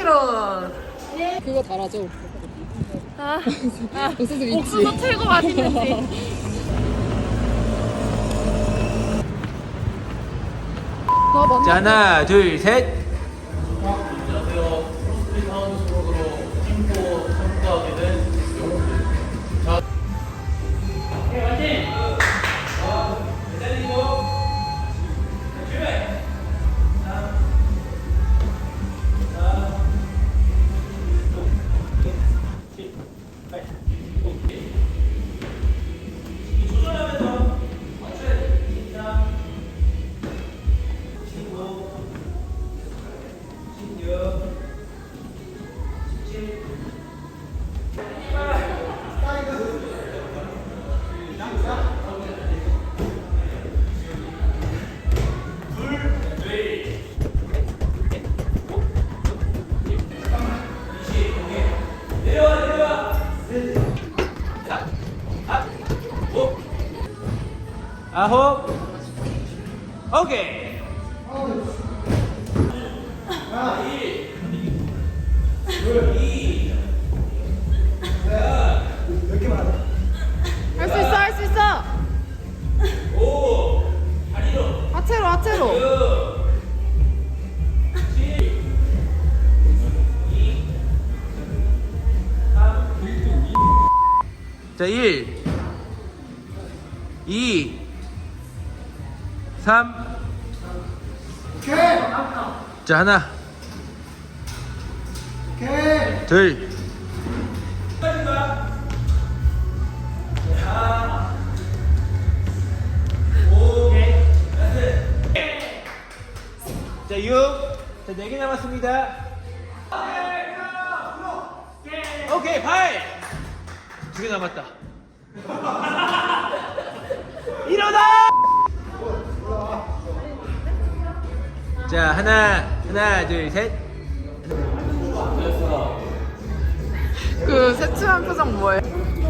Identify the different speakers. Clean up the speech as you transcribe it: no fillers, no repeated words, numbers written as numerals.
Speaker 1: 10kg.
Speaker 2: 그거 달아줘. 옥수수 있지?
Speaker 1: 옥수수 최고 맛있는지.
Speaker 3: 자, 하나, 둘, 셋. 아홉. 오케이.
Speaker 1: 할 수 있어, 할 수 있어. 하체로, 하체로.
Speaker 3: 자, 1, 2, 3.
Speaker 4: 오케이.
Speaker 3: 자, 하나,
Speaker 4: 오케이.
Speaker 3: 둘. 자, 6. 자, 4개 남았습니다. 오케이, 8. 2개 남았다. 일어나! 자, 하나, 둘, 셋.
Speaker 1: 그 새침한 표정 뭐해?